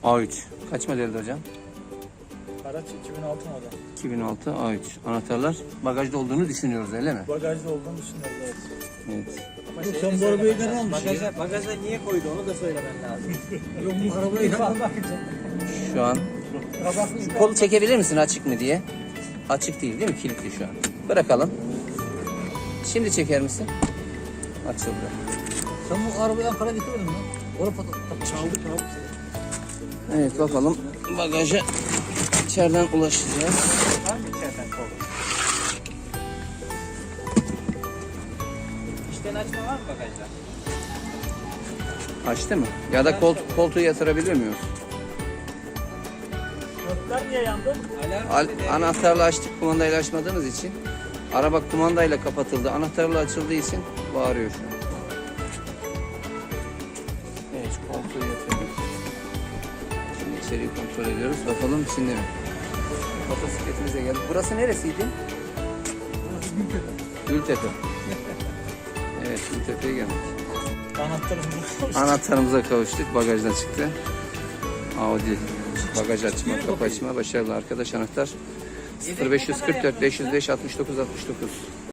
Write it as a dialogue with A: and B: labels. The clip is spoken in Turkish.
A: A3. Kaç modeldi hocam?
B: Araç 2006 model.
A: 2006 A3. Anahtarlar bagajda olduğunu düşünüyoruz öyle mi?
B: Bagajda olduğunu düşünüyorum, evet.
A: Evet.
C: Ama
B: Yok,
C: şeyi
B: sen
C: de
B: bu arabayı
C: söylemen
B: neden
C: lazım.
B: almışsın?
C: Bagaja niye koydu onu da söylemen lazım.
B: Yok bu arabayı
A: Şu an kolu çekebilir misin açık mı diye? Açık değil mi? Kilitli şu an. Bırakalım. Şimdi çeker misin? Açıldı.
B: Sen bu arabayı Ankara'ya getirmedin mi? Orada çaldık abi.
A: Evet bakalım bagaja içeriden ulaşacağız.
C: Var mı içeriden kol? İçten açma var mı bagajda?
A: Açtı mı? Ya da koltuğu yatırabilir miyiz?
B: Gökler niye yandı?
C: Alarm
A: Anahtarla açtık, kumandayla açmadığımız için. Araba kumandayla kapatıldı, anahtarla açıldığı için bağırıyor şu an. Evet, koltuğu yatırdık. Şimdi içeriği kontrol ediyoruz. Bakalım içinde mi? Motosikletimize geldik. Burası neresiydi? Gültepe. Evet, Gültepe'ye geldik. Anahtarımıza kavuştuk. Bagajdan çıktı. Audi. Bagaj açma, kapı açma. Başarılı arkadaş anahtar. 0544 505 69 69.